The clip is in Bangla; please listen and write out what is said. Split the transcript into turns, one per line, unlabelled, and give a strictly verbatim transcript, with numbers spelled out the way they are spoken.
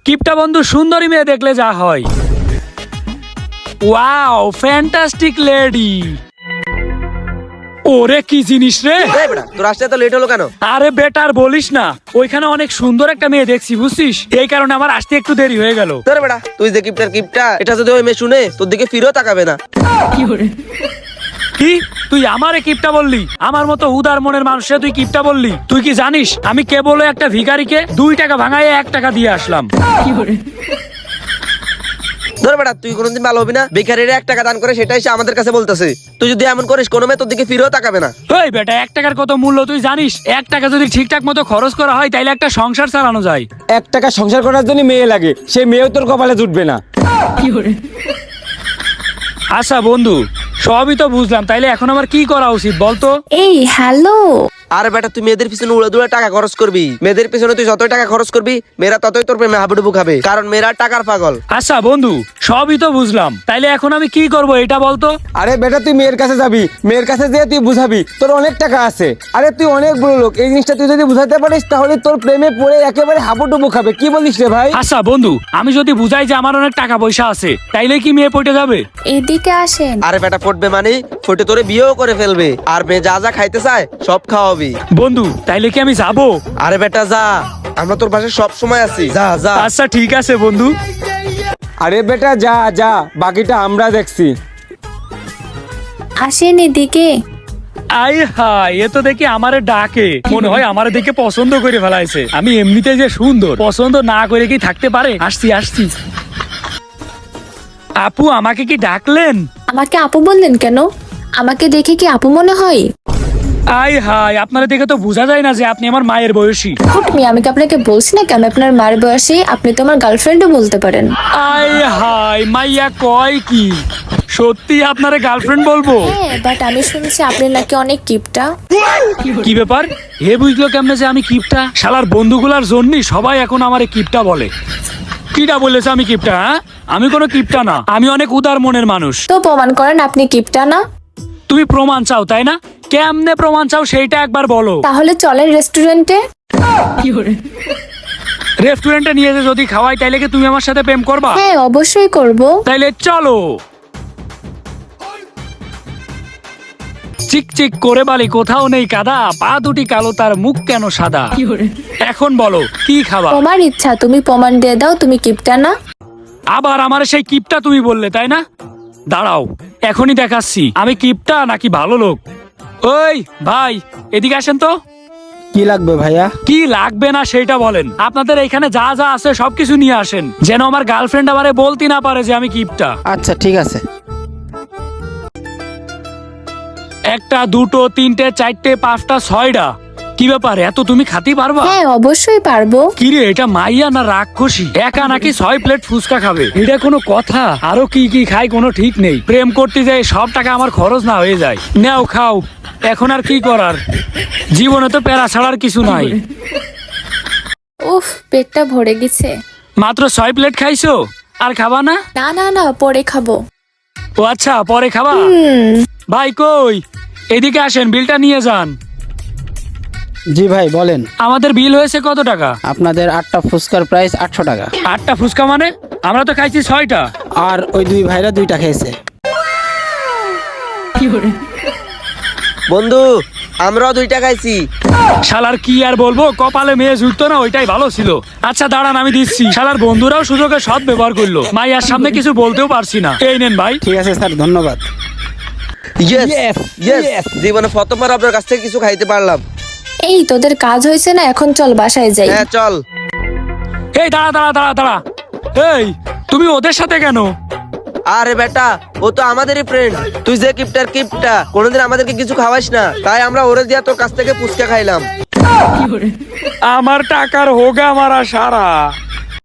কিপটা বন্ধু সুন্দরী মেয়ে দেখলে যা হয়। Wow fantastic lady. ওরে কি জিনিস রে।
তোর আসতে তো লেট হলো কেন?
আরে বেটার বলিস না, ওইখানে অনেক সুন্দর একটা মেয়ে দেখছি বুঝছিস, এই কারণে আমার আসতে একটু দেরি হয়ে গেল।
তোর বেটা তুই যে কিপটার কিপটা, এটা যদি ওই মেয়ে শুনে তোর দিকে ফিরেও তাকাবে না।
কি তুই আমারে কিপটা বললি? আমার মতো উদার মনের মানুষে তুই কিপটা বললি? তুই কি জানিস আমি কেবল একটা ভিখারিকে দুই টাকা ভাঙায় এক টাকা দিয়ে আসলাম।
ধর বেটা তুই কোনোদিন ভালো হবি না। ভিখারিরা এক টাকা দান করে সেটাই সে আমাদের কাছে বলতেছে। তুই যদি এমন করিস কোনো মেয়ে তোর দিকে ফিরেও তাকাবে না।
ওই বেটা এক টাকার কত মূল্য তুই জানিস? এক টাকা যদি ঠিকঠাক মতো খরচ করা হয় তাইলে একটা সংসার চালানো যায়।
এক টাকা সংসার করার জন্য মেয়ে লাগে, সেই মেয়েও তোর কপালে জুটবে না।
আচ্ছা বন্ধু সবই তো বুঝলাম, তাইলে এখন আমার কি করা উচিত বলতো?
এই হ্যালো,
আরে বেটা তুই মেয়েদের পিছনে উড়ে দুড়ে টাকা খরচ করবি। মেয়েদের পিছনে তুই যতই টাকা খরচ করবি মেয়েরা ততই তোর প্রেমে হাবুডুবু খাবে, কারণ মেয়েরা টাকার পাগল।
আচ্ছা বন্ধু সবই তো বুঝলাম, তাইলে এখন আমি কি করব এটা বলতো?
আরে বেটা তুই মেয়ের কাছে যাবি, মেয়ের কাছে যেয়ে তুই বুঝাবি তোর অনেক টাকা আছে। আরে তুই অনেক বড় লোক, এই জিনিসটা তুই যদি বুঝাতে পারিস তাহলে তোর প্রেমে পড়ে একেবারে হাবুডুবু খাবে। কি বলিস রে ভাই?
আচ্ছা বন্ধু আমি যদি বুঝাই যে আমার অনেক টাকা পয়সা আছে তাইলে কি মেয়ে পটে যাবে?
এদিকে আসেন।
আরে বেটা পড়বে মানে ফটে তোরে বিয়েও করে ফেলবে, আর মেয়ে যা যা খাইতে চায় সব খাওয়াবি।
বন্ধু তাইলে কি আমি যাবো?
আরে বেটা যা, আমরা তোর পাশে সব সময় আছি, যা যা।
আচ্ছা ঠিক আছে বন্ধু।
আরে বেটা যা যা, বাকিটা আমরা দেখছি।
আসেন এদিকে।
আই হাই, এ তো দেখি আমারে ডাকে, মনে হয় আমারে দেখে পছন্দ করে ফেলাইছে। আমি এমনিতে যে সুন্দর, পছন্দ না করে কি থাকতে পারে? আসছি আসছি। আপু আমাকে কি ডাকলেন?
আমাকে আপু বললেন কেন? আমাকে দেখে কি আপু মনে হয়?
আই হাই, আপনারা দেখে তো বোঝা যায় না যে আপনি আমার মায়ের বয়সী।
হুট মিয়া, আমি কি আপনাকে বলছি না কি আমি আপনার মার বয়সী? আপনি তো আমার গার্লফ্রেন্ডও বলতে পারেন।
আই হাই, মাইয়া কয় কি সত্যি আপনারে গার্লফ্রেন্ড বলবো?
হ্যাঁ, বাট আমি শুনছি আপনি নাকি অনেক কিপটা।
কি ব্যাপার? হে বুঝলো কেমনে যে আমি কিপটা? শালার বন্ধুগুলার জন্যই সবাই এখন আমারে কিপটা বলে। কিটা বলেছে আমি কিপটা? হ্যাঁ, আমি কোনো কিপটা না, আমি অনেক উদার মনের মানুষ।
তো প্রমাণ করেন আপনি কিপটা না।
তুমি প্রমাণ চাও তাই না? কেমনে প্রমাণ চাও সেইটা একবার বলো।
তাহলে চলেন রেস্টুরেন্টে।
রেস্টুরেন্টে নিয়ে যে যদি খাওয়াই তাইলে কি তুমি আমার সাথে প্রেম করবা?
হ্যাঁ অবশ্যই করব।
তাইলে চলো। চিক চিক করে বালি কোথাও নেই কাদা, পা দুটি কালো তার মুখ কেন সাদা। এখন বলো কি খাবা?
তোমার ইচ্ছা, তুমি প্রমাণ দিয়ে দাও তুমি কিপটা না।
আবার আমার সেই কিপটা তুমি বললে তাই না? দাঁড়াও এখনই দেখাচ্ছি আমি কিপটা নাকি ভালো লোক। ওই ভাই এদিকে আসেন তো।
কি লাগবে ভাইয়া?
কি লাগবে না সেটা বলেন। আপনাদের এখানে যা যা আছে সবকিছু নিয়ে আসেন, যেন আমার গার্লফ্রেন্ড আমারে বলতে না পারে যে আমি কিপটা।
আচ্ছা ঠিক আছে।
একটা দুটো তিনটে চারটে পাঁচটা ছয়টা। কি ব্যাপার এত তুমি খাতি পারবা?
হ্যাঁ অবশ্যই পারবো।
কিরে এটা মাইয়া না রাক্ষসী? একা নাকি ছয় প্লেট ফুচকা খাবে? এটা কোনো কথা? আরো কি কি খাই কোনো ঠিক নেই। প্রেম করতে যাই সব টাকা আমার খরচ না হয়ে যায়। নাও খাও, এখন আর কি করার, জীবনে তো প্যারা ছাড়ার কিছু নাই।
উফ, পেটটা ভরে গেছে।
মাত্র ছয় প্লেট খাইছো, আর খাবা না?
না না না, পরে খাবো।
ও আচ্ছা পরে খাবা।
হুম।
ভাই কই, এদিকে আসেন, বিলটা নিয়ে যান।
জি ভাই বলেন।
আমাদের বিল হয়েছে কত টাকা?
আপনাদের আটটা ফুচকার প্রাইস আটশো টাকা।
আটটা ফুচকা মানে? আমরা তো খাইছি ছয়টা।
আর ওই দুই ভাইরা দুইটা খেয়েছে।
বন্ধু আমরাও দুইটা খাইছি।
শালার কি আর বলবো, কপালে মেয়ে জুটতো না ওইটাই ভালো ছিল। আচ্ছা দাঁড়ান আমি দিচ্ছি। শালার বন্ধুরাও সুযোগে সৎ ব্যবহার করলো, মাইয়ার সামনে কিছু বলতেও পারছি না। এই নেন ভাই।
ঠিক আছে স্যার, ধন্যবাদ।
Yes
Yes,
yes,
yes.
জীবনে প্রথমবার আপনার কাছ থেকে কিছু খাইতে পারলাম।
এই তোদের কাজ হয়েছে না, এখন চল বাসায় যাই।
হ্যাঁ চল।
এই দাঁড়া দাঁড়া দাঁড়া দাঁড়া, এই তুমি ওদের সাথে কেন?
আরে বেটা ও তো আমাদেরই ফ্রেন্ড। তুই যে কিপটার কিপটা, কোনোদিন আমাদেরকে কিছু খাওয়াস না, তাই আমরা ওরে দিয়া তোর কাছ থেকে ফুচকা খাইলাম।
আমার টাকার হোগা মারা সারা।